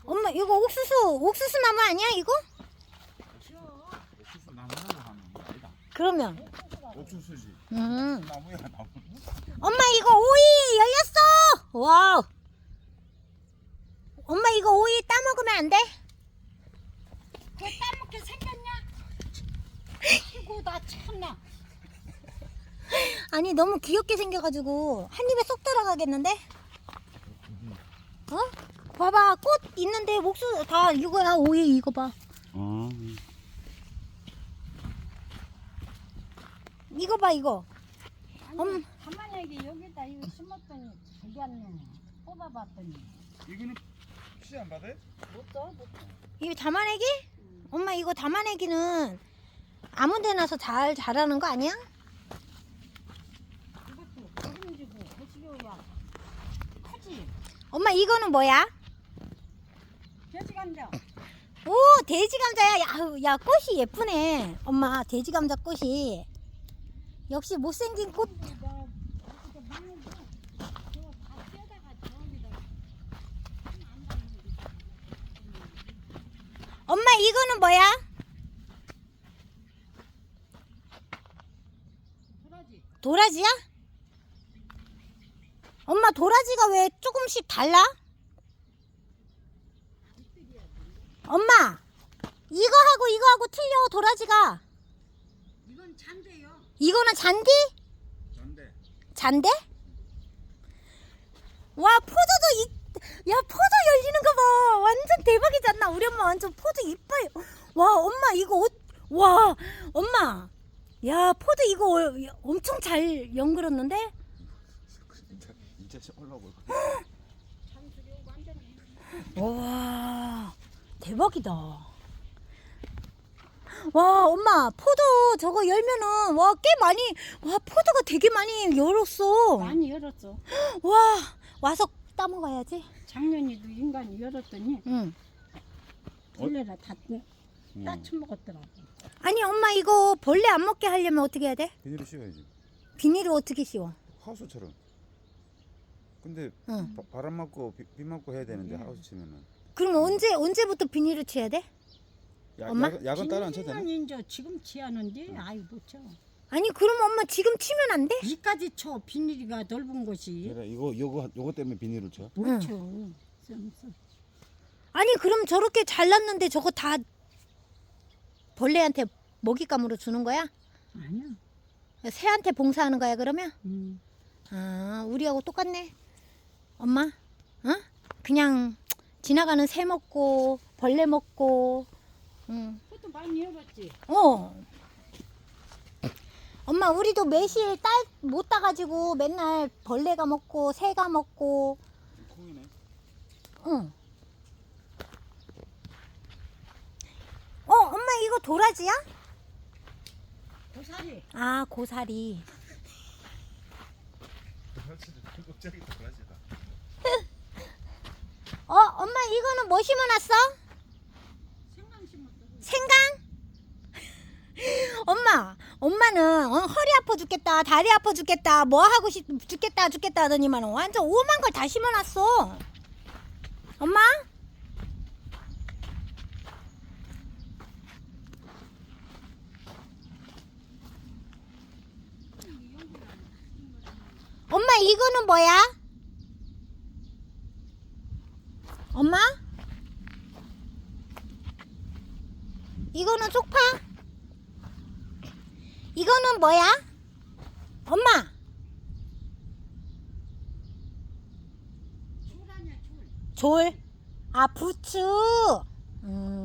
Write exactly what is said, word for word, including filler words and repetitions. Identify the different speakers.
Speaker 1: 엄마 이거 옥수수 옥수수 나무 아니야 이거?
Speaker 2: 옥수수 나무라고 하는 게 아니다.
Speaker 1: 그러면
Speaker 2: 옥수수지.
Speaker 1: 음.
Speaker 2: 나무야 나무.
Speaker 1: 엄마 이거 오이 열렸어. 와우. 엄마 이거 오이 따먹으면 안 돼?
Speaker 3: 그 따먹게 생겼냐? 아이고 나 참나.
Speaker 1: 아니 너무 귀엽게 생겨가지고 한 입에 쏙 들어가겠는데? 어? 봐봐 꽃 있는데 옥수수 다 이거야 오이 이거 봐.
Speaker 2: 어.
Speaker 1: 이거 봐 이거.
Speaker 3: 아니
Speaker 1: 엄.
Speaker 3: 가만히 여기다 이거 심었더니 저기 왔네. 뽑아봤더니
Speaker 2: 이거는 씨 안 받아?
Speaker 3: 못 써? 못 써.
Speaker 1: 이거 담아내기? 엄마 이거 담아내기는 아무데 나서 잘 자라는 거 아니야?
Speaker 3: 이것도 기름지고 거시기야 크지?
Speaker 1: 엄마 이거는 뭐야?
Speaker 3: 돼지 감자.
Speaker 1: 오 돼지 감자야. 야, 야 꽃이 예쁘네. 엄마 돼지 감자 꽃이 역시 못생긴 꽃.
Speaker 3: 나 이렇게 먹는데 저거 다 떼다가 저기다 안 담는
Speaker 1: 엄마 이거는 뭐야?
Speaker 3: 도라지.
Speaker 1: 도라지야? 엄마 도라지가 왜 조금씩 달라? 엄마 이거하고 이거하고 틀려 도라지가.
Speaker 3: 이건 잔데요.
Speaker 1: 이거는 잔디?
Speaker 2: 전대.
Speaker 1: 잔데? 와 포도도 이, 야 포도 열리는 거 봐. 완전 대박이지 않나? 우리 엄마 완전 포도 이뻐요. 와 엄마 이거 옷, 와 엄마 야 포도 이거 어- 엄청 잘 연그렸는데?
Speaker 2: 진짜 진짜 올라오고.
Speaker 3: 장수리 완전.
Speaker 1: 와 대박이다. 와 엄마 포도 저거 열면은 와 꽤 많이 와 포도가 되게 많이 열었어.
Speaker 3: 많이 열었어.
Speaker 1: 와 와서 따먹어야지.
Speaker 3: 작년에도 인간이 열었더니
Speaker 1: 응.
Speaker 3: 벌레라 다
Speaker 2: 음.
Speaker 3: 따쳐 먹었더라고.
Speaker 1: 아니 엄마 이거 벌레 안 먹게 하려면 어떻게 해야 돼?
Speaker 2: 비닐을 씌워야지.
Speaker 1: 비닐을 어떻게 씌워?
Speaker 2: 하우스처럼. 근데
Speaker 1: 응.
Speaker 2: 바, 바람 맞고 비, 비 맞고 해야 되는데
Speaker 3: 네.
Speaker 2: 하우스 치면은.
Speaker 1: 그럼 언제 언제부터 비닐을 쳐야 돼?
Speaker 2: 야,
Speaker 1: 엄마?
Speaker 2: 야간, 야간 따라 안 쳐도 되나?
Speaker 3: 비닐은 이제 지금 치하는데 아이 못 쳐.
Speaker 1: 아니 그럼 엄마 지금 치면 안 돼?
Speaker 3: 이까지 쳐 비닐이가 넓은 곳이
Speaker 2: 그래 이거 요거 요거 때문에 비닐을 쳐.
Speaker 3: 못
Speaker 1: 응.
Speaker 3: 쳐. 좀 써.
Speaker 1: 아니 그럼 저렇게 잘랐는데 저거 다 벌레한테 먹잇감으로 주는 거야?
Speaker 3: 아니야.
Speaker 1: 새한테 봉사하는 거야 그러면?
Speaker 3: 음.
Speaker 1: 아 우리하고 똑같네. 엄마, 어? 그냥 지나가는 새 먹고 벌레 먹고, 응.
Speaker 3: 그것도 많이 열었지.
Speaker 1: 어. 엄마 우리도 매실 딸 못 따가지고 맨날 벌레가 먹고 새가 먹고.
Speaker 2: 콩이네.
Speaker 1: 응. 어 엄마 이거 도라지야?
Speaker 3: 고사리.
Speaker 1: 아 고사리.
Speaker 2: 갑자기 도라지다.
Speaker 1: 어 엄마 이거는 뭐 심어놨어?
Speaker 3: 생강 심었어.
Speaker 1: 생강? 엄마 엄마는 어, 허리 아파 죽겠다 다리 아파 죽겠다 뭐 하고 싶 죽겠다 죽겠다 하더니만 완전 오만 걸 다 심어놨어. 엄마? 엄마 이거는 뭐야? 엄마? 이거는 쪽파? 이거는 뭐야? 엄마
Speaker 3: 줄 아니야 줄.
Speaker 1: 졸. 아 부추. 음.